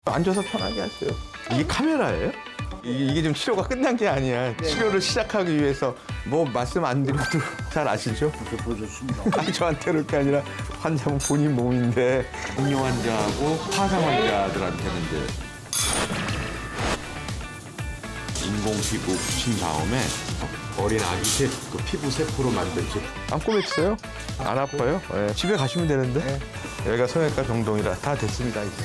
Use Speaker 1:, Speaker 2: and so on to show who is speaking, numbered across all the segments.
Speaker 1: 앉아서 편하게 하세요. 이게 카메라예요? 이게 지금 치료가 끝난 게 아니야. 치료를 시작하기 위해서 뭐 말씀 안 드려도 잘 아시죠?
Speaker 2: 보셨습니다.
Speaker 1: 아니 저한테 그럴 게 아니라 환자분 본인 몸인데
Speaker 3: 당뇨 환자하고 화상 환자들한테는 이제 인공 피부 붙인 다음에 어린 아기 그 피부 세포로 만든
Speaker 1: 안 꼬맸어요? 안 아파요? 네. 집에 가시면 되는데 여기가 성형외과 병동이라 다 됐습니다 이제.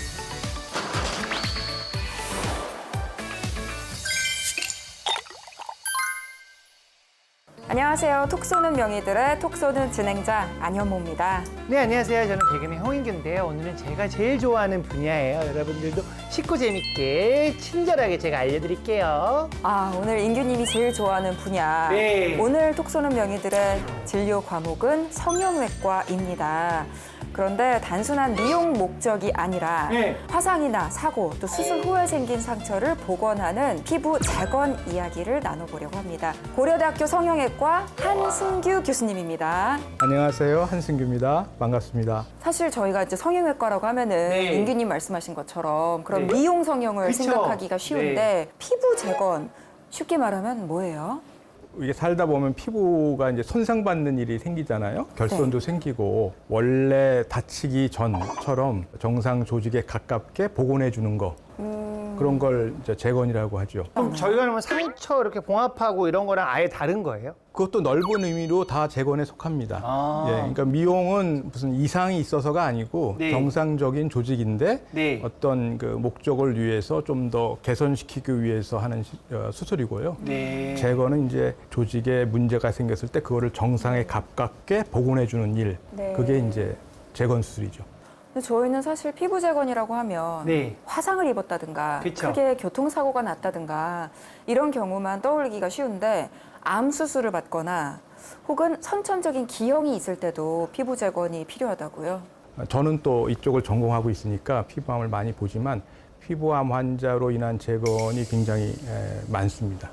Speaker 4: 안녕하세요. 톡 쏘는 명의들의 톡 쏘는 진행자 안현모입니다.
Speaker 5: 네, 안녕하세요. 저는 개그맨 홍인규인데요. 오늘은 제가 제일 좋아하는 분야예요. 여러분들도 쉽고 재밌게 친절하게 제가 알려드릴게요.
Speaker 4: 오늘 인규님이 제일 좋아하는 분야.
Speaker 5: 네.
Speaker 4: 오늘 톡 쏘는 명의들의 진료 과목은 성형외과입니다. 그런데 단순한 미용 목적이 아니라
Speaker 5: 네.
Speaker 4: 화상이나 사고 또 수술 후에 생긴 상처를 복원하는 피부 재건 이야기를 나눠보려고 합니다. 고려대학교 성형외과 한승규 교수님입니다.
Speaker 6: 안녕하세요. 한승규입니다. 반갑습니다.
Speaker 4: 사실 저희가 이제 성형외과라고 하면은
Speaker 5: 네.
Speaker 4: 인규님 말씀하신 것처럼 그런
Speaker 5: 네.
Speaker 4: 미용 성형을
Speaker 5: 그쵸?
Speaker 4: 생각하기가 쉬운데 피부 재건 쉽게 말하면 뭐예요?
Speaker 6: 이게 살다 보면 피부가 이제 손상받는 일이 생기잖아요. 결손도 생기고 원래 다치기 전처럼 정상 조직에 가깝게 복원해 주는 거. 그런 걸 이제 재건이라고 하죠.
Speaker 5: 그럼 저희가 그러면 상처 이렇게 봉합하고 이런 거랑 아예 다른 거예요?
Speaker 6: 그것도 넓은 의미로 다 재건에 속합니다.
Speaker 5: 아.
Speaker 6: 예, 그러니까 미용은 무슨 이상이 있어서가 아니고
Speaker 5: 네.
Speaker 6: 정상적인 조직인데
Speaker 5: 네.
Speaker 6: 어떤 그 목적을 위해서 좀 더 개선시키기 위해서 하는 수술이고요.
Speaker 5: 네.
Speaker 6: 재건은 이제 조직에 문제가 생겼을 때 그거를 정상에 가깝게 복원해 주는 일.
Speaker 4: 네.
Speaker 6: 그게 이제 재건 수술이죠.
Speaker 4: 근데 저희는 사실 피부 재건이라고 하면
Speaker 5: 네.
Speaker 4: 화상을 입었다든가
Speaker 5: 그쵸.
Speaker 4: 크게 교통사고가 났다든가 이런 경우만 떠올리기가 쉬운데 암 수술을 받거나 혹은 선천적인 기형이 있을 때도 피부 재건이 필요하다고요?
Speaker 6: 저는 또 이쪽을 전공하고 있으니까 피부암을 많이 보지만 피부암 환자로 인한 재건이 굉장히 많습니다.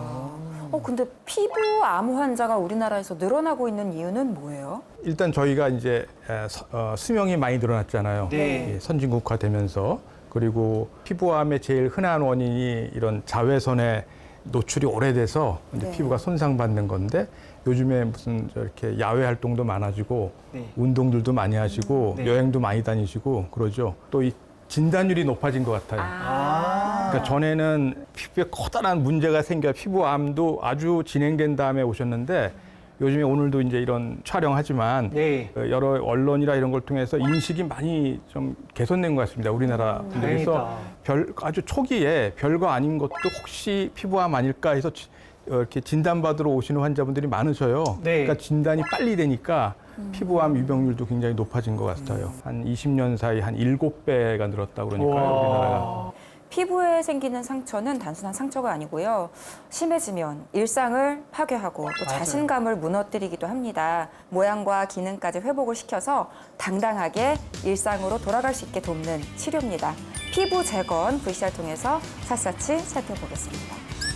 Speaker 4: 근데 피부암 환자가 우리나라에서 늘어나고 있는 이유는 뭐예요?
Speaker 6: 일단 저희가 이제 수명이 많이 늘어났잖아요.
Speaker 5: 네.
Speaker 6: 예, 선진국화되면서. 그리고 피부암의 제일 흔한 원인이 이런 자외선에 노출이 오래돼서 이제
Speaker 4: 네.
Speaker 6: 피부가 손상받는 건데 요즘에 무슨 저렇게 야외 활동도 많아지고
Speaker 5: 네.
Speaker 6: 운동들도 많이 하시고
Speaker 5: 네.
Speaker 6: 여행도 많이 다니시고 그러죠. 또 이 진단율이 높아진 것 같아요. 그러니까 전에는 피부에 커다란 문제가 생겨 피부암도 아주 진행된 다음에 오셨는데 요즘에 오늘도 이제 이런 촬영하지만
Speaker 5: 네.
Speaker 6: 여러 언론이나 이런 걸 통해서 인식이 많이 좀 개선된 것 같습니다. 우리나라 분들에서 아주 초기에 별거 아닌 것도 혹시 피부암 아닐까 해서 이렇게 진단받으러 오시는 환자분들이 많으셔요.
Speaker 5: 네.
Speaker 6: 그러니까 진단이 빨리 되니까 피부암 유병률도 굉장히 높아진 것 같아요. 한 20년 사이 한 7배가 늘었다고 그러니까요, 우리나라가.
Speaker 4: 피부에 생기는 상처는 단순한 상처가 아니고요. 심해지면 일상을 파괴하고 또 자신감을 무너뜨리기도 합니다. 모양과 기능까지 회복을 시켜서 당당하게 일상으로 돌아갈 수 있게 돕는 치료입니다. 피부 재건 VCR 통해서 샅샅이 살펴보겠습니다.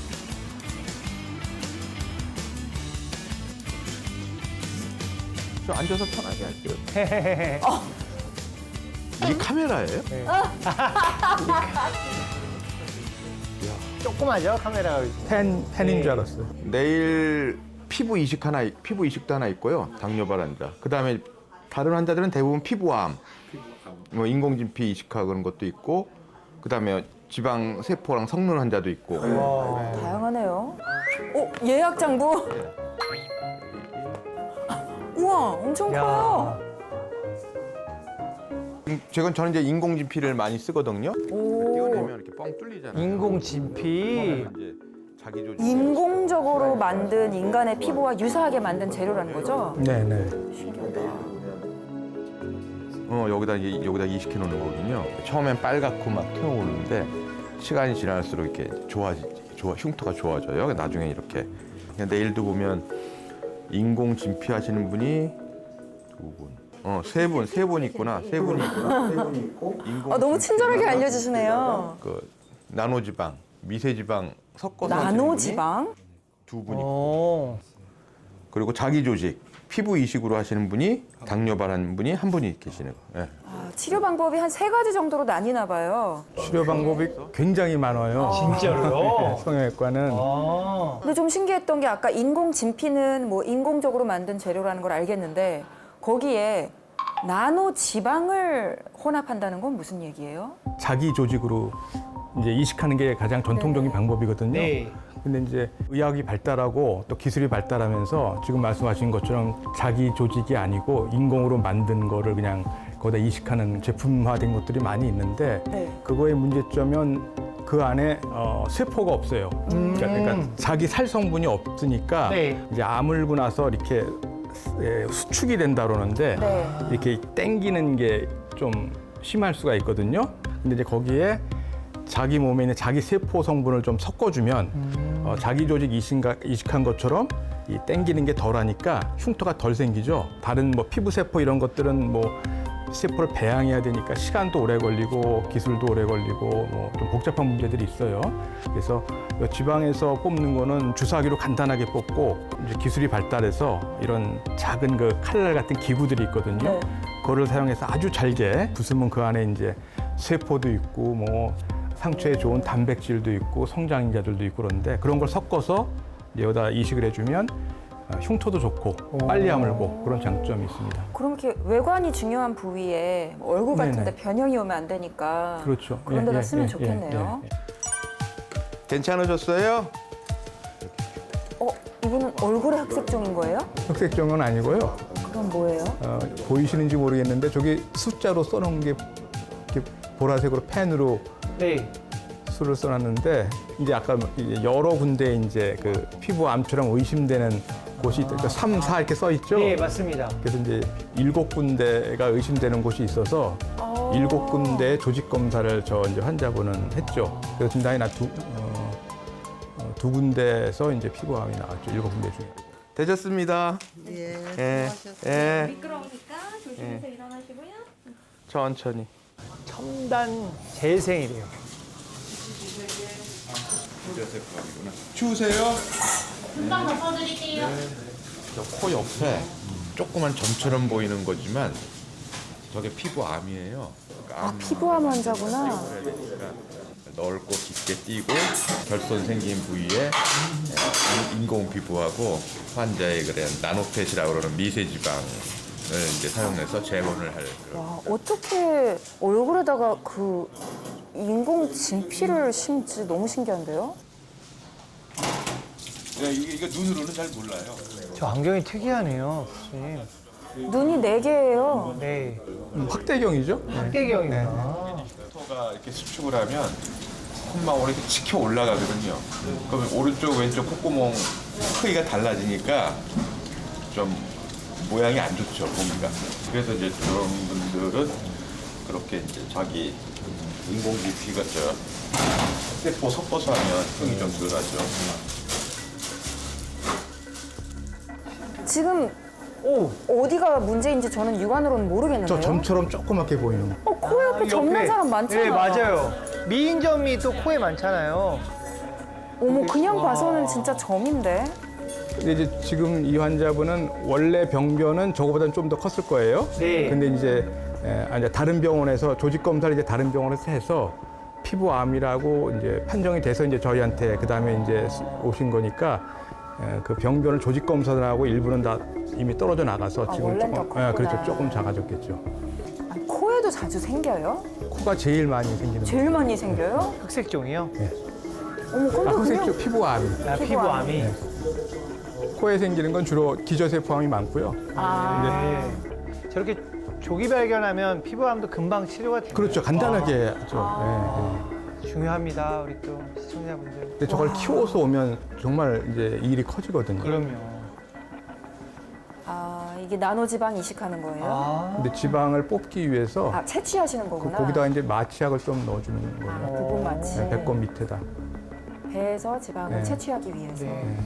Speaker 1: 저 앉아서 편하게 할게요. 이게 카메라예요?
Speaker 5: 조그마죠, 카메라가.
Speaker 6: 팬인 줄 알았어요.
Speaker 1: 내일 피부 이식도 하나 있고요. 당뇨발 환자. 그다음에 다른 환자들은 대부분 피부암, 뭐 인공진피 이식하고 그런 것도 있고, 그다음에 지방 세포랑 성능 환자도 있고.
Speaker 4: 다양하네요. 예약 장부. 우와, 엄청 커요.
Speaker 1: 저는 이제 인공진피를 많이 쓰거든요. 띄워내면 이렇게 뻥 뚫리잖아요.
Speaker 5: 인공진피.
Speaker 1: 이제 자기 조직.
Speaker 4: 인공적으로 만든 인간의 피부와 유사하게 만든 재료라는 거죠?
Speaker 6: 네네.
Speaker 1: 여기다 이식해 놓는 거거든요. 처음엔 빨갛고 막 튀어오르는데 시간이 지날수록 이렇게 흉터가 좋아져요. 나중에 이렇게. 내일도 보면 인공 진피 하시는 분이 세 분 있구나. 세 분이 있고.
Speaker 4: 너무 친절하게 알려주시네요.
Speaker 1: 그 나노지방, 미세지방 섞어서
Speaker 4: 나노지방?
Speaker 1: 두 분이.
Speaker 5: 오.
Speaker 1: 그리고 자기 조직, 피부 이식으로 하시는 분이 당뇨발 하는 분이 한 분이 계시는 거예요. 예.
Speaker 4: 아, 치료 방법이 한 3가지 정도로 나뉘나 봐요.
Speaker 6: 치료 방법이 굉장히 많아요.
Speaker 5: 진짜로요?
Speaker 6: 성형외과는
Speaker 5: 아.
Speaker 4: 근데 좀 신기했던 게 아까 인공 진피는 뭐 인공적으로 만든 재료라는 걸 알겠는데 거기에 나노 지방을 혼합한다는 건 무슨 얘기예요?
Speaker 6: 자기 조직으로 이제 이식하는 게 가장 전통적인 방법이거든요.
Speaker 5: 네.
Speaker 6: 근데 이제 의학이 발달하고 또 기술이 발달하면서 지금 말씀하신 것처럼 자기 조직이 아니고 인공으로 만든 거를 그냥 거기다 이식하는 제품화된 것들이 많이 있는데
Speaker 4: 네.
Speaker 6: 그거의 문제점은 그 안에 세포가 없어요. 그러니까 자기 살 성분이 없으니까
Speaker 5: 네.
Speaker 6: 이제 아물고 나서 이렇게 수축이 된다 그러는데
Speaker 4: 네.
Speaker 6: 이렇게 땡기는 게 좀 심할 수가 있거든요. 근데 이제 거기에 자기 몸에 있는 자기 세포 성분을 좀 섞어주면 자기 조직 이식한 것처럼 이 땡기는 게 덜하니까 흉터가 덜 생기죠. 다른 뭐 피부 세포 이런 것들은 뭐 세포를 배양해야 되니까 시간도 오래 걸리고 기술도 오래 걸리고 뭐 좀 복잡한 문제들이 있어요. 그래서 이 지방에서 뽑는 거는 주사기로 간단하게 뽑고 이제 기술이 발달해서 이런 작은 그 칼날 같은 기구들이 있거든요.
Speaker 4: 네.
Speaker 6: 그거를 사용해서 아주 잘게 부수면 그 안에 이제 세포도 있고 뭐 상처에 좋은 단백질도 있고 성장인자들도 있고 그런데 그런 걸 섞어서 여기다 이식을 해주면 흉터도 좋고 빨리 아물고 그런 장점이 있습니다.
Speaker 4: 그럼 이렇게 외관이 중요한 부위에 뭐 얼굴 같은데
Speaker 6: 네네.
Speaker 4: 변형이 오면 안 되니까
Speaker 6: 그렇죠.
Speaker 4: 그런 데다
Speaker 6: 예,
Speaker 4: 쓰면
Speaker 6: 예,
Speaker 4: 좋겠네요.
Speaker 6: 예, 예.
Speaker 1: 괜찮으셨어요?
Speaker 4: 이분은 얼굴에 흑색종인 거예요?
Speaker 6: 흑색종은 아니고요.
Speaker 4: 그럼 뭐예요?
Speaker 6: 보이시는지 모르겠는데 저기 숫자로 써놓은 게 이렇게 보라색으로 펜으로
Speaker 5: 네.
Speaker 6: 수를 써놨는데 이제 아까 이제 여러 군데 이제 그 피부 암처럼 의심되는 곳이 그러니까 3, 4 이렇게 써 있죠.
Speaker 5: 네, 맞습니다.
Speaker 6: 그래서 이제 7군데가 의심되는 곳이 있어서 7군데 조직 검사를 저 이제 환자분은 했죠. 그래서 진단이 두 군데에서 이제 피부암이 나왔죠. 7군데 중에.
Speaker 1: 되셨습니다.
Speaker 2: 예,
Speaker 1: 예.
Speaker 2: 수고하셨어요.
Speaker 1: 예.
Speaker 7: 미끄러우니까 조심해서 일어나시고요.
Speaker 1: 천천히.
Speaker 5: 첨단 재생이래요.
Speaker 1: 추우세요?
Speaker 7: 금방 덮어드릴게요.
Speaker 1: 저 코 옆에 조그만 점처럼 보이는 거지만 저게 피부암이에요. 그러니까 암
Speaker 4: 피부암 환자구나.
Speaker 1: 그러니까 넓고 깊게 띄고 결손 생긴 부위에 인공 피부하고 환자의 그런 나노펫이라고 그러는 미세 지방을 이제 사용해서 재건을 할 그런.
Speaker 4: 와, 어떻게 얼굴에다가 그 인공 진피를 심지 너무 신기한데요?
Speaker 1: 이게 눈으로는 잘 몰라요.
Speaker 5: 저 안경이 특이하네요, 선생님.
Speaker 4: 눈이 4개예요.
Speaker 5: 네.
Speaker 6: 확대경이죠.
Speaker 5: 학대경이구나.
Speaker 1: 토가 이렇게 수축을 하면 콧망울이 이렇게 치켜 올라가거든요. 그러면 오른쪽 왼쪽 콧구멍 크기가 달라지니까 좀 모양이 안 좋죠, 보기가. 그래서 이제 그런 분들은 그렇게 이제 자기 인공지피 같죠. 세포 섞어서 하면 흉이 좀 덜하죠.
Speaker 4: 지금
Speaker 5: 오,
Speaker 4: 어디가 문제인지 저는 육안으로는 모르겠는데요.
Speaker 6: 저 점처럼 조그맣게 보이는 거.
Speaker 4: 코 옆에 점 난 사람 많잖아.
Speaker 5: 네, 맞아요. 미인점이 또 코에 많잖아요.
Speaker 4: 어머, 그냥 봐서는 진짜 점인데.
Speaker 6: 근데 이제 지금 이 환자분은 원래 병변은 저거보다는 좀 더 컸을 거예요.
Speaker 5: 네.
Speaker 6: 근데 이제 다른 병원에서 조직 검사를 이제 다른 병원에서 해서 피부암이라고 이제 판정이 돼서 이제 저희한테 그 다음에 이제 오신 거니까 그 병변을 조직 검사하고 일부는 다 이미 떨어져 나가서 지금
Speaker 4: 원래는 더
Speaker 6: 조금
Speaker 4: 컸구나.
Speaker 6: 그렇죠, 조금 작아졌겠죠.
Speaker 4: 아니, 코에도 자주 생겨요?
Speaker 6: 코가 제일 많이 생기는
Speaker 4: 제일 많이 생겨요?
Speaker 5: 흑색종이요?
Speaker 4: 어머, 근데
Speaker 6: 거.
Speaker 4: 그냥
Speaker 6: 흑색조 피부암이.
Speaker 5: 아, 피부암이.
Speaker 6: 네. 코에 생기는 건 주로 기저세포암이 많고요.
Speaker 5: 네. 저렇게 조기 발견하면 피부암도 금방 치료가 돼요.
Speaker 6: 그렇죠, 간단하게 하죠. 예, 예.
Speaker 5: 중요합니다, 우리 또 시청자분들.
Speaker 6: 근데 저걸 키워서 오면 정말 이제 일이 커지거든요.
Speaker 5: 그럼요.
Speaker 4: 이게 나노지방 이식하는 거예요?
Speaker 5: 아,
Speaker 6: 근데 지방을 뽑기 위해서
Speaker 4: 채취하시는 거구나.
Speaker 6: 거기다가 이제 마취약을 좀 넣어주는 거예요.
Speaker 4: 부분 마취.
Speaker 6: 네, 배꼽 밑에다.
Speaker 4: 배에서 지방을
Speaker 6: 네.
Speaker 4: 채취하기 위해서.
Speaker 5: 네.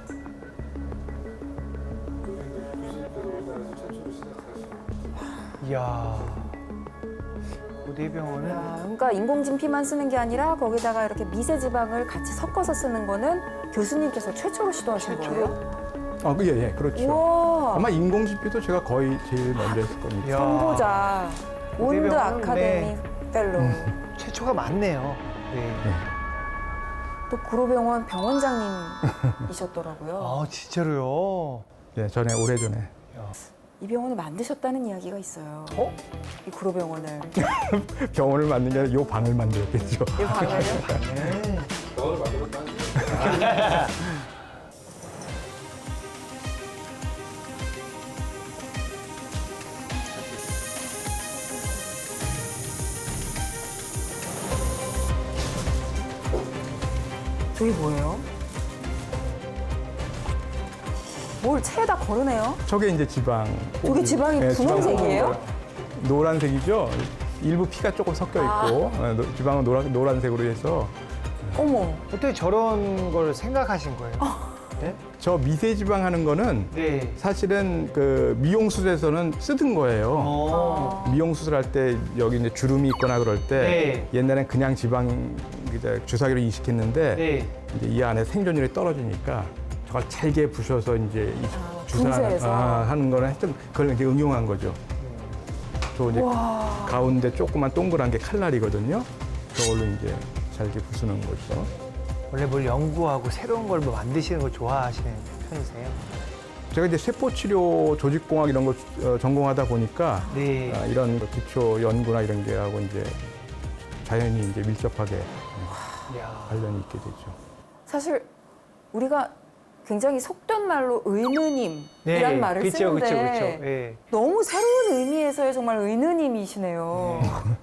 Speaker 5: 이야. 고대병원은
Speaker 4: 그러니까 인공진피만 쓰는 게 아니라 거기다가 이렇게 미세 지방을 같이 섞어서 쓰는 거는 교수님께서 최초로 시도하신 거예요?
Speaker 6: 예, 그렇죠.
Speaker 4: 우와.
Speaker 6: 아마 인공지피도 제가 거의 제일 먼저 했을 겁니다.
Speaker 5: 이야,
Speaker 4: 선보자. 온드
Speaker 5: 대병원은
Speaker 4: 아카데미 펠로우.
Speaker 5: 최초가 많네요. 네.
Speaker 4: 또 구로병원 병원장님이셨더라고요.
Speaker 5: 아, 진짜로요?
Speaker 6: 예, 전에 오래전에.
Speaker 4: 이 병원을 만드셨다는 이야기가 있어요.
Speaker 5: 어?
Speaker 4: 이 구로병원을.
Speaker 6: 병원을 만든 게 아니라 요 방을 만들었겠죠.
Speaker 4: 이 방을요? 저게 뭐예요? 뭘 체에다 거르네요?
Speaker 6: 저게 이제 지방.
Speaker 4: 저게 지방이 분홍색이에요?
Speaker 6: 지방 노란색이죠. 일부 피가 조금 섞여 있고 지방은 노란색으로 해서
Speaker 4: 어머.
Speaker 5: 어떻게 저런 걸 생각하신 거예요? 네?
Speaker 6: 저 미세지방 하는 거는
Speaker 5: 네.
Speaker 6: 사실은 그 미용술에서는 쓰던 거예요. 미용 수술할 때 여기 이제 주름이 있거나 그럴 때 옛날엔 그냥 지방 이제 주사기로 이식했는데
Speaker 5: 네.
Speaker 6: 이제 이 안에 생존율이 떨어지니까 저걸 잘게 부셔서 이제 이
Speaker 4: 분쇄해서.
Speaker 6: 하는 거는 하여튼 그걸 이제 응용한 거죠. 저 이제 가운데 조그만 동그란 게 칼날이거든요. 저걸로 이제 잘게 부수는 거죠.
Speaker 5: 원래 뭘 연구하고 새로운 걸 뭐 만드시는 걸 좋아하시는 편이세요?
Speaker 6: 제가 이제 세포치료, 조직공학 이런 걸 전공하다 보니까
Speaker 5: 네.
Speaker 6: 이런 기초 연구나 이런 게 하고 이제 자연히 이제 밀접하게
Speaker 5: 이야.
Speaker 6: 관련이 있게 되죠.
Speaker 4: 사실 우리가 굉장히 속된 말로 의느님이란
Speaker 5: 네.
Speaker 4: 말을
Speaker 5: 그쵸,
Speaker 4: 쓰는데
Speaker 5: 그쵸, 그쵸. 네.
Speaker 4: 너무 새로운 의미에서의 정말 의느님이시네요.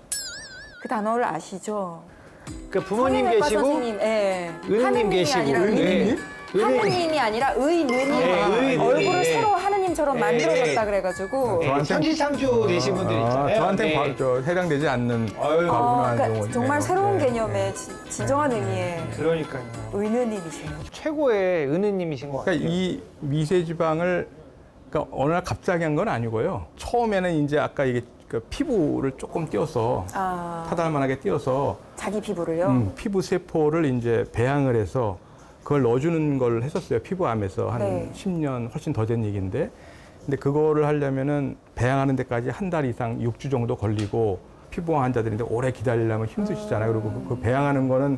Speaker 4: 그 단어를 아시죠?
Speaker 5: 그 부모님
Speaker 4: 성형외과
Speaker 5: 계시고
Speaker 4: 선생님, 예.
Speaker 5: 은우님
Speaker 4: 하느님이
Speaker 5: 계시고
Speaker 4: 아니라
Speaker 5: 은우님?
Speaker 4: 하느님이 아니라 의느님.
Speaker 5: 네, 의느님.
Speaker 4: 얼굴을
Speaker 5: 네.
Speaker 4: 새로 하느님처럼
Speaker 5: 네.
Speaker 4: 만들어졌다 그래가지고.
Speaker 5: 네,
Speaker 6: 저한테-
Speaker 5: 천지창조 되신 분들 있잖아요.
Speaker 6: 저한테
Speaker 5: 네.
Speaker 6: 해당되지 않는
Speaker 5: 아유.
Speaker 6: 과분한
Speaker 4: 그러니까
Speaker 6: 용어네요.
Speaker 4: 정말 새로운
Speaker 6: 네.
Speaker 4: 개념의 진정한 의미의
Speaker 5: 그러니까요.
Speaker 4: 의느님이시네요.
Speaker 5: 최고의 은우님이신 것 같아요.
Speaker 6: 그러니까 이 미세지방을 그러니까 어느 날 갑자기 한 건 아니고요. 처음에는 이제 아까 이게 그 피부를 조금 띄어서 타달만하게 띄어서
Speaker 4: 자기 피부를요?
Speaker 6: 피부 세포를 이제 배양을 해서 그걸 넣어주는 걸 했었어요. 피부암에서 한
Speaker 4: 네.
Speaker 6: 10년 훨씬 더 된 얘기인데. 근데 그거를 하려면은 배양하는 데까지 한 달 이상 6주 정도 걸리고 피부암 환자들인데 오래 기다리려면 힘드시잖아요. 그리고 그 배양하는 거는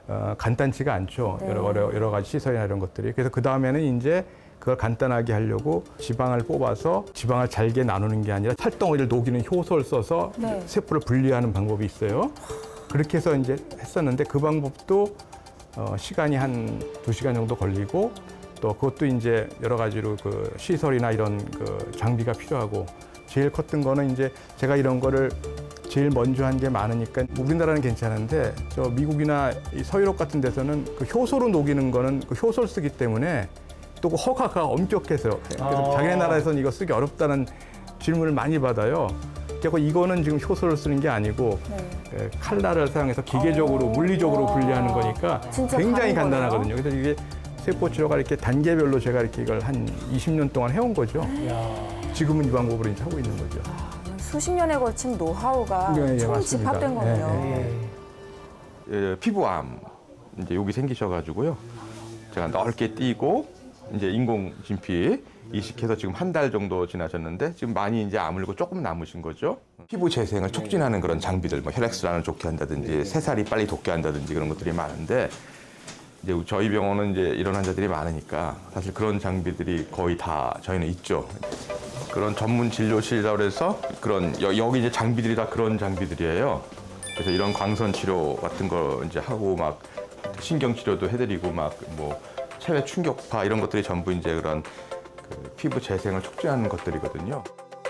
Speaker 6: 간단치가 않죠.
Speaker 4: 네.
Speaker 6: 여러 가지 시설이나 이런 것들이. 그래서 그 다음에는 이제 그걸 간단하게 하려고 지방을 뽑아서 지방을 잘게 나누는 게 아니라 살덩어리를 녹이는 효소를 써서
Speaker 4: 네.
Speaker 6: 세포를 분리하는 방법이 있어요. 그렇게 해서 이제 했었는데 그 방법도 시간이 한 2시간 정도 걸리고 또 그것도 이제 여러 가지로 그 시설이나 이런 그 장비가 필요하고 제일 컸던 거는 이제 제가 이런 거를 제일 먼저 한 게 많으니까 우리나라는 괜찮은데 저 미국이나 이 서유럽 같은 데서는 그 효소로 녹이는 거는 그 효소를 쓰기 때문에 또 그 허가가 엄격해서 그래서 자기네 나라에서는 이거 쓰기 어렵다는 질문을 많이 받아요. 그리고 이거는 지금 효소를 쓰는 게 아니고 칼날을 사용해서 기계적으로 물리적으로 분리하는 거니까
Speaker 4: 진짜
Speaker 6: 굉장히
Speaker 4: 다른 거네요.
Speaker 6: 간단하거든요. 그래서 이게 세포 치료가 이렇게 단계별로 제가 이렇게 이걸 한 20년 동안 해온 거죠. 지금은 이 방법으로 이제 하고 있는 거죠.
Speaker 4: 수십 년에 걸친 노하우가
Speaker 6: 네, 예,
Speaker 4: 총
Speaker 6: 맞습니다.
Speaker 4: 집합된 거네요.
Speaker 6: 네,
Speaker 1: 피부암 이제 여기 생기셔가지고요. 제가 넓게 띄고 이제 인공 진피 이식해서 지금 한 달 정도 지나셨는데 지금 많이 이제 아물고 조금 남으신 거죠. 피부 재생을 촉진하는 그런 장비들, 뭐 혈액순환을 좋게 한다든지 새살이 빨리 돋게 한다든지 그런 것들이 많은데 이제 저희 병원은 이제 이런 환자들이 많으니까 사실 그런 장비들이 거의 다 저희는 있죠. 그런 전문 진료실이라고 해서 그런 여기 이제 장비들이 다 그런 장비들이에요. 그래서 이런 광선 치료 같은 거 이제 하고 막 신경 치료도 해드리고 막 뭐 체외 충격파 이런 것들이 전부 이제 그런 그 피부 재생을 촉진하는 것들이거든요.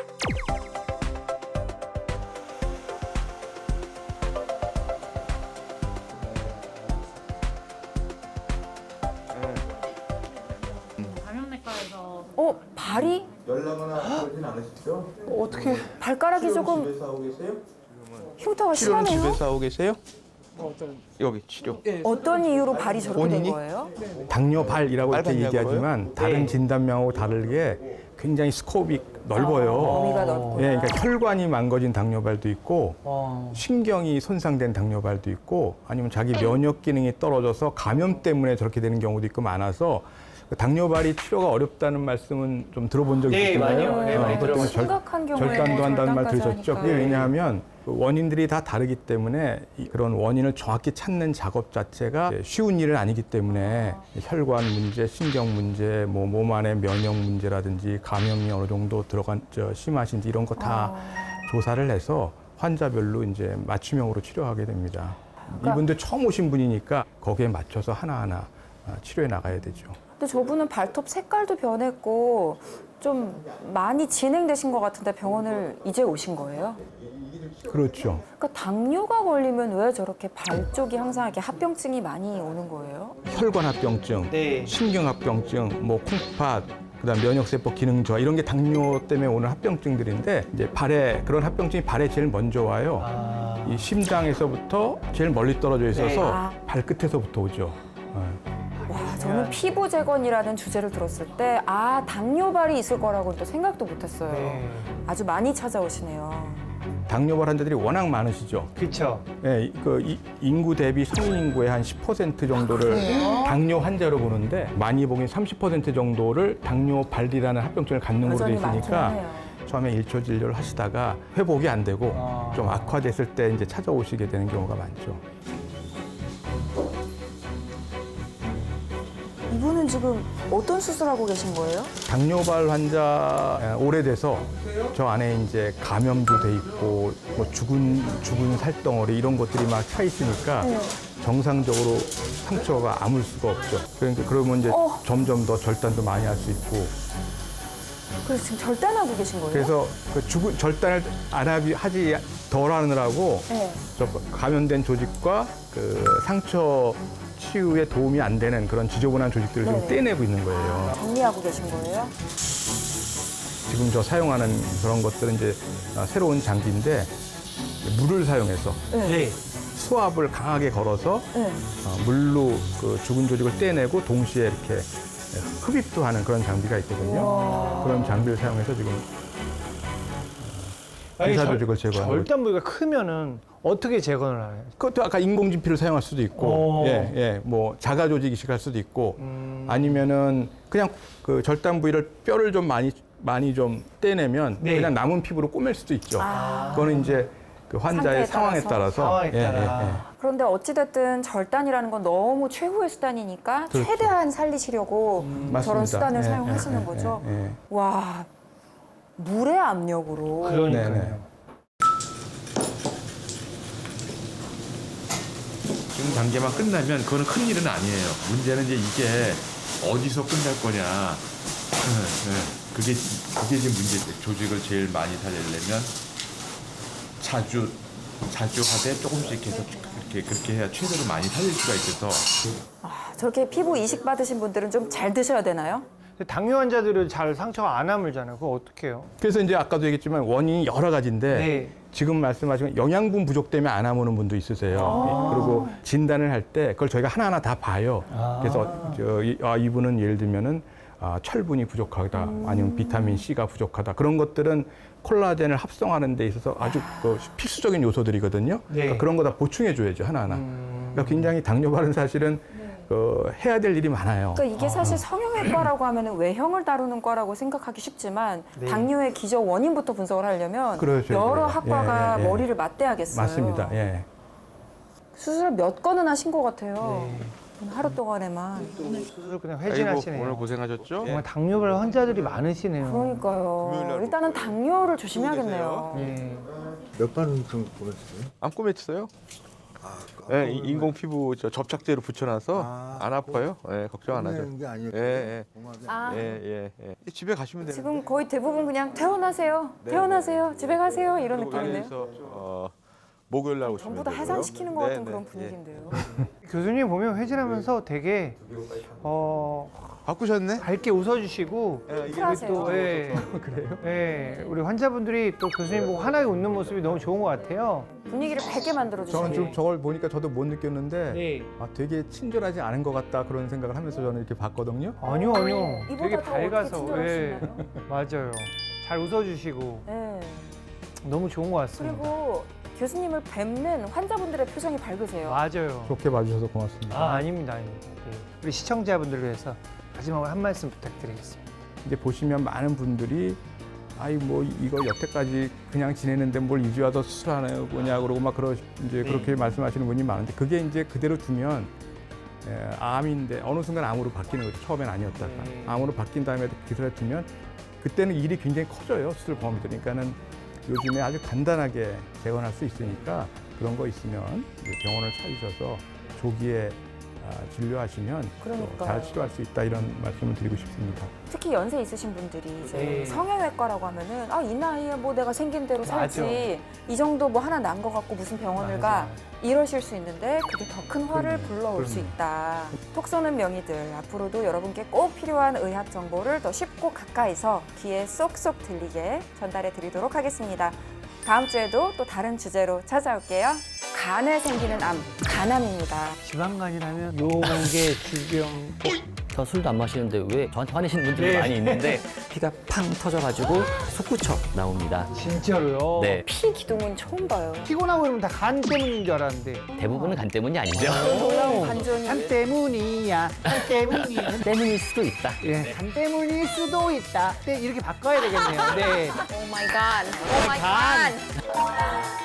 Speaker 7: 감염내과에서
Speaker 4: 발이?
Speaker 1: 연락하거나 그러진 않으시죠?
Speaker 5: 어떻게?
Speaker 4: 발가락이 조금
Speaker 1: 집에서 하고 계세요?
Speaker 4: 흉터가
Speaker 1: 치료는
Speaker 4: 심하네요.
Speaker 1: 집에서 하고 계세요? 여기 치료.
Speaker 4: 어떤 이유로 발이 저렇게
Speaker 1: 본인이?
Speaker 4: 된 거예요?
Speaker 6: 당뇨발이라고 이렇게
Speaker 1: 빨간
Speaker 6: 얘기하지만 다른 진단명하고 다르게 굉장히 스코업이 넓어요.
Speaker 4: 범위가 넓구나.
Speaker 6: 예, 그러니까 혈관이 망가진 당뇨발도 있고 신경이 손상된 당뇨발도 있고 아니면 자기 면역 기능이 떨어져서 감염 때문에 저렇게 되는 경우도 있고 많아서 당뇨발이 치료가 어렵다는 말씀은 좀 들어본 적이
Speaker 5: 네,
Speaker 6: 있잖아요.
Speaker 5: 많이요. 네, 많이
Speaker 6: 보통
Speaker 5: 들어봤어요.
Speaker 4: 심각한 경우에
Speaker 6: 절단도 한다는 말
Speaker 4: 절단까지
Speaker 6: 들으셨죠?
Speaker 4: 하니까.
Speaker 6: 그게 왜냐하면 그 원인들이 다 다르기 때문에 그런 원인을 정확히 찾는 작업 자체가 쉬운 일은 아니기 때문에 혈관 문제, 신경 문제, 뭐 몸 안의 면역 문제라든지 감염이 어느 정도 심하신지 이런 거 다 조사를 해서 환자별로 이제 맞춤형으로 치료하게 됩니다. 이분들 처음 오신 분이니까 거기에 맞춰서 하나하나 치료해 나가야 되죠.
Speaker 4: 근데 저분은 발톱 색깔도 변했고 좀 많이 진행되신 것 같은데 병원을 이제 오신 거예요?
Speaker 6: 그렇죠.
Speaker 4: 그러니까 당뇨가 걸리면 왜 저렇게 발 쪽이 항상 이렇게 합병증이 많이 오는 거예요?
Speaker 6: 혈관 합병증,
Speaker 5: 네.
Speaker 6: 신경 합병증, 뭐 콩팥, 그다음 면역세포 기능 저하 이런 게 당뇨 때문에 오는 합병증들인데 이제 발에 그런 합병증이 발에 제일 먼저 와요. 이 심장에서부터 제일 멀리 떨어져 있어서
Speaker 4: 네.
Speaker 6: 발끝에서부터 오죠.
Speaker 4: 와, 저는 피부 재건이라는 주제를 들었을 때 당뇨발이 있을 거라고 또 생각도 못했어요.
Speaker 5: 네.
Speaker 4: 아주 많이 찾아오시네요.
Speaker 6: 당뇨발 환자들이 워낙 많으시죠.
Speaker 5: 그렇죠.
Speaker 6: 예, 인구 대비 성인 인구의 한 10% 정도를 당뇨 환자로 보는데 많이 보긴 30% 정도를 당뇨발이라는 합병증을 갖는 걸로 돼
Speaker 4: 여전히 많긴
Speaker 6: 있으니까
Speaker 4: 하네요.
Speaker 6: 처음에 일초 진료를 하시다가 회복이 안 되고 좀 악화됐을 때 이제 찾아오시게 되는 경우가 많죠.
Speaker 4: 이분은 지금 어떤 수술하고 계신 거예요?
Speaker 6: 당뇨발 환자 오래돼서 저 안에 이제 감염도 돼 있고 뭐 죽은 살덩어리 이런 것들이 막 차 있으니까 정상적으로 상처가 아물 수가 없죠. 그러니까 그러면 이제 점점 더 절단도 많이 할 수 있고
Speaker 4: 그래서 지금 절단하고 계신 거예요?
Speaker 6: 그래서 그 절단을 하지 덜 하느라고
Speaker 4: 네.
Speaker 6: 저 감염된 조직과 그 상처 치유에 도움이 안 되는 그런 지저분한 조직들을 좀
Speaker 4: 네네.
Speaker 6: 떼내고 있는 거예요.
Speaker 4: 정리하고 계신 거예요?
Speaker 6: 지금 저 사용하는 그런 것들은 이제 새로운 장비인데 물을 사용해서
Speaker 5: 네.
Speaker 6: 수압을 강하게 걸어서
Speaker 4: 네.
Speaker 6: 물로 그 죽은 조직을 떼내고 동시에 이렇게 흡입도 하는 그런 장비가 있거든요. 그런 장비를 사용해서 지금 의사 조직을 제거하는 거죠.
Speaker 5: 절단 부위가 크면은 어떻게 재건을 해요?
Speaker 6: 그것도 아까 인공진피를 사용할 수도 있고, 뭐 자가 조직 이식할 수도 있고, 아니면은 그냥 그 절단 부위를 뼈를 좀 많이 좀 떼내면
Speaker 5: 네.
Speaker 6: 그냥 남은 피부로 꼬맬 수도 있죠. 그거는 이제 그 환자의
Speaker 4: 상태에
Speaker 6: 상황에 따라서.
Speaker 5: 상황에 따라.
Speaker 4: 그런데 어찌됐든 절단이라는 건 너무 최후의 수단이니까
Speaker 6: 그렇죠.
Speaker 4: 최대한 살리시려고 저런
Speaker 6: 맞습니다.
Speaker 4: 수단을
Speaker 6: 예,
Speaker 4: 사용하시는
Speaker 6: 예,
Speaker 4: 거죠.
Speaker 6: 예, 예.
Speaker 4: 와, 물의 압력으로.
Speaker 5: 그러니까요.
Speaker 6: 네네.
Speaker 1: 지금 단계만 끝나면 그거는 큰 일은 아니에요. 문제는 이제 이게 어디서 끝날 거냐. 그게 지금 문제죠. 조직을 제일 많이 살리려면 자주 하되 조금씩 계속 그렇게 해야 최대로 많이 살릴 수가 있어서.
Speaker 4: 저렇게 피부 이식 받으신 분들은 좀 잘 드셔야 되나요?
Speaker 5: 근데 당뇨 환자들은 잘 상처가 안 아물잖아요. 그거 어떻게 해요?
Speaker 6: 그래서 이제 아까도 얘기했지만 원인이 여러 가지인데
Speaker 5: 네.
Speaker 6: 지금 말씀하신 영양분 부족 때문에 안 아무는 분도 있으세요. 그리고 진단을 할 때 그걸 저희가 하나하나 다 봐요. 그래서 이분은 예를 들면은 철분이 부족하다, 아니면 비타민 C가 부족하다. 그런 것들은 콜라겐을 합성하는 데 있어서 아주 그 필수적인 요소들이거든요.
Speaker 5: 네.
Speaker 6: 그러니까 그런 거 다 보충해 줘야죠, 하나하나. 그러니까 굉장히 당뇨발은 사실은 해야 될 일이 많아요.
Speaker 4: 그러니까 이게 사실 성형외과라고 하면 외형을 다루는 과라고 생각하기 쉽지만
Speaker 5: 네.
Speaker 4: 당뇨의 기저 원인부터 분석을 하려면
Speaker 6: 그렇죠,
Speaker 4: 여러
Speaker 6: 그래요.
Speaker 4: 학과가
Speaker 6: 예, 예.
Speaker 4: 머리를 맞대야겠어요.
Speaker 6: 맞습니다. 예.
Speaker 4: 수술을 몇 건은 하신 것 같아요.
Speaker 5: 네.
Speaker 4: 하루 동안에만.
Speaker 5: 수술 그냥 회진하시네요.
Speaker 1: 오늘 고생하셨죠?
Speaker 5: 정말 당뇨발 환자들이 많으시네요.
Speaker 4: 그러니까요. 일단은 당뇨를 조심해야겠네요.
Speaker 5: 네.
Speaker 2: 몇 번은 좀 보냈어요?
Speaker 1: 안 꼬맸어요? 네, 인공 피부 접착제로 붙여놔서 안 아파요. 네, 걱정 안 하죠.
Speaker 2: 보내는 게 아니고
Speaker 1: 예,
Speaker 4: 아,
Speaker 1: 예. 집에 가시면 되는데.
Speaker 4: 지금 거의 대부분 그냥 퇴원하세요. 퇴원하세요. 집에 가세요. 이런 느낌인데요.
Speaker 1: 그래서 목요일 날 오시면
Speaker 4: 전부 다
Speaker 1: 되고요.
Speaker 4: 해산시키는 것 같은
Speaker 1: 네,
Speaker 4: 그런
Speaker 1: 네,
Speaker 4: 분위기인데요.
Speaker 5: 교수님 보면 회진하면서 되게
Speaker 1: 바꾸셨네?
Speaker 5: 밝게 웃어주시고
Speaker 4: 쿨하세요.
Speaker 5: 또 그래요? 예, 우리 환자분들이 또 교수님 보고 환하게 웃는 모습이 너무 좋은 것 같아요.
Speaker 4: 분위기를 밝게 만들어주시는
Speaker 6: 저는 좀 저걸 보니까 저도 못 느꼈는데
Speaker 5: 네.
Speaker 6: 되게 친절하지 않은 것 같다 그런 생각을 하면서 저는 이렇게 봤거든요.
Speaker 5: 아니요.
Speaker 4: 이보다
Speaker 5: 되게
Speaker 4: 더 어떻게
Speaker 5: 밝아서
Speaker 4: 친절하시나요?
Speaker 5: 맞아요. 잘 웃어주시고
Speaker 4: 네.
Speaker 5: 너무 좋은 것 같습니다.
Speaker 4: 그리고 교수님을 뵙는 환자분들의 표정이 밝으세요.
Speaker 5: 맞아요.
Speaker 6: 좋게 봐주셔서 고맙습니다.
Speaker 5: 아닙니다. 네. 우리 시청자분들을 위해서 마지막으로 한 말씀 부탁드리겠습니다.
Speaker 6: 이제 보시면 많은 분들이 아이 뭐 이거 여태까지 그냥 지내는데 뭘 이제 와서 수술하는 거냐 그러고 막 이제 그렇게 말씀하시는 분이 많은데 그게 이제 그대로 두면 암인데 어느 순간 암으로 바뀌는 거죠. 처음엔 아니었다가 암으로 바뀐 다음에도 기술에 두면 그때는 일이 굉장히 커져요. 수술 범위 그러니까는 요즘에 아주 간단하게 재건할 수 있으니까 그런 거 있으면 이제 병원을 찾으셔서 조기에 진료하시면
Speaker 4: 그러니까요.
Speaker 6: 잘 치료할 수 있다 이런 말씀을 드리고 싶습니다.
Speaker 4: 특히 연세 있으신 분들이 이제
Speaker 5: 네.
Speaker 4: 성형외과라고 하면은 이 나이에 뭐 내가 생긴 대로 살지
Speaker 5: 맞아.
Speaker 4: 이 정도 뭐 하나 난 거 갖고 무슨 병원을 가 이러실 수 있는데 그게 더 큰 화를 불러올 수 있다. 톡 쏘는 명의들 앞으로도 여러분께 꼭 필요한 의학 정보를 더 쉽고 가까이서 귀에 쏙쏙 들리게 전달해 드리도록 하겠습니다. 다음 주에도 또 다른 주제로 찾아올게요. 간에 생기는 암, 간암입니다.
Speaker 5: 지방간이라면 요게 주병.
Speaker 8: 저 술도 안 마시는데 왜 저한테 화내시는 분들이
Speaker 5: 네.
Speaker 8: 많이 있는데 피가 팡 터져가지고 솟구쳐 나옵니다.
Speaker 5: 진짜로요?
Speaker 8: 네,
Speaker 4: 피 기둥은 처음 봐요.
Speaker 5: 피곤하고 이러면 다 간 때문인 줄 알았는데.
Speaker 8: 대부분은 간 때문이 아니죠.
Speaker 4: 놀라운 반전이.
Speaker 5: 간 때문이야. 간 때문이야.
Speaker 8: 때문일 수도 있다.
Speaker 5: 예, 간 때문일 수도 있다. 네, 이렇게 바꿔야 되겠네요. 네.
Speaker 4: 오 마이 갓. 오 마이 갓.